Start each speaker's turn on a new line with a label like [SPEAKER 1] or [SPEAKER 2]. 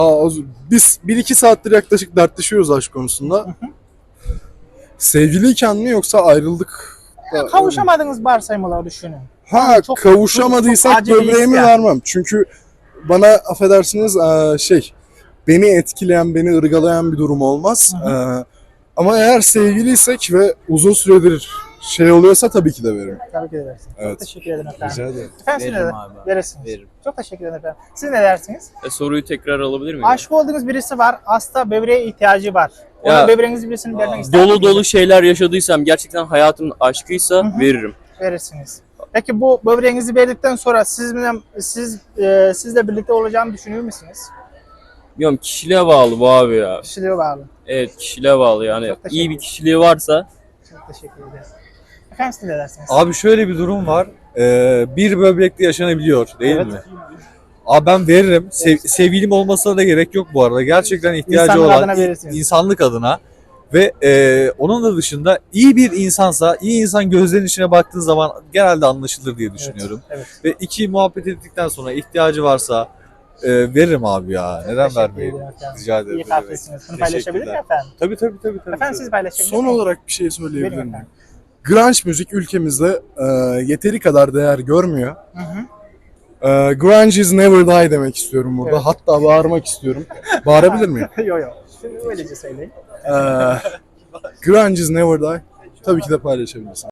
[SPEAKER 1] Biz 1-2 saattir yaklaşık dertleşiyoruz aşk konusunda. Sevgiliyken mi yoksa ayrıldık?
[SPEAKER 2] Kavuşamadığınız varsayımları düşünün.
[SPEAKER 1] Ha,
[SPEAKER 2] Çok-
[SPEAKER 1] kavuşamadıysak
[SPEAKER 2] çok acil bir
[SPEAKER 1] böbreğimi
[SPEAKER 2] his
[SPEAKER 1] vermem. Çünkü bana affedersiniz beni etkileyen, beni ırgalayan bir durum olmaz. Ama eğer sevgiliysek ve uzun süredir oluyorsa tabii ki de veririm.
[SPEAKER 2] Tabii ki de edersiniz.
[SPEAKER 1] Evet.
[SPEAKER 2] Çok teşekkür ederim efendim.
[SPEAKER 1] Rica ederim.
[SPEAKER 2] Efendim siz
[SPEAKER 3] Veririm
[SPEAKER 2] ne
[SPEAKER 3] abi.
[SPEAKER 2] verirsiniz?
[SPEAKER 3] Veririm.
[SPEAKER 2] Çok teşekkür ederim efendim. Siz ne dersiniz?
[SPEAKER 3] Soruyu tekrar alabilir miyim?
[SPEAKER 2] Aşık olduğunuz birisi var. Hasta böbreğe ihtiyacı var. Ona
[SPEAKER 3] Ya,
[SPEAKER 2] böbreğinizi birisini vermek ister
[SPEAKER 3] Dolu
[SPEAKER 2] misiniz?
[SPEAKER 3] dolu şeyler yaşadıysam, gerçekten hayatımın aşkıysa veririm.
[SPEAKER 2] Verirsiniz. Peki bu böbreğinizi verdikten sonra sizle birlikte olacağını düşünüyor musunuz?
[SPEAKER 3] Bilmiyorum, kişiliğe bağlı bu abi ya.
[SPEAKER 2] Kişiliğe bağlı.
[SPEAKER 3] Evet, kişiliğe bağlı yani.
[SPEAKER 2] Çok teşekkür
[SPEAKER 3] İyi bir
[SPEAKER 2] ederim.
[SPEAKER 3] kişiliği varsa
[SPEAKER 2] Çok teşekkür ederim. Efendim siz ne dersiniz?
[SPEAKER 4] Abi şöyle bir durum var. Bir böbrekle yaşanabiliyor değil
[SPEAKER 2] Evet.
[SPEAKER 4] mi? Abi ben veririm. Sevgilim olmasına da gerek yok bu arada. Gerçekten ihtiyacı
[SPEAKER 2] İnsanlık
[SPEAKER 4] olan
[SPEAKER 2] adına verirsiniz.
[SPEAKER 4] insanlık adına. Ve onun da dışında iyi bir insansa, iyi insan gözlerinin içine baktığı zaman genelde anlaşılır diye düşünüyorum.
[SPEAKER 2] Evet.
[SPEAKER 4] Ve iki muhabbet ettikten sonra ihtiyacı varsa veririm abi ya. Neden
[SPEAKER 2] Teşekkür
[SPEAKER 4] vermeyeyim?
[SPEAKER 2] ederim efendim.
[SPEAKER 4] Rica ederim.
[SPEAKER 2] İyi kalplisiniz. Bunu paylaşabilir miyim
[SPEAKER 4] Teşekkürler.
[SPEAKER 2] efendim?
[SPEAKER 4] Tabii.
[SPEAKER 2] Efendim siz paylaşabilir
[SPEAKER 1] Son
[SPEAKER 2] misiniz?
[SPEAKER 1] olarak bir şey söyleyebilir
[SPEAKER 2] Verin
[SPEAKER 1] miyim?
[SPEAKER 2] efendim.
[SPEAKER 1] Grunge müzik ülkemizde yeteri kadar değer görmüyor.
[SPEAKER 2] Hı hı.
[SPEAKER 1] Grunge is never die demek istiyorum burada.
[SPEAKER 2] Evet.
[SPEAKER 1] Hatta bağırmak istiyorum. Bağırabilir miyim?
[SPEAKER 2] Yok. Şimdi öylece söyleyin.
[SPEAKER 1] Grunge is never die. Tabii ki de paylaşabilirsin.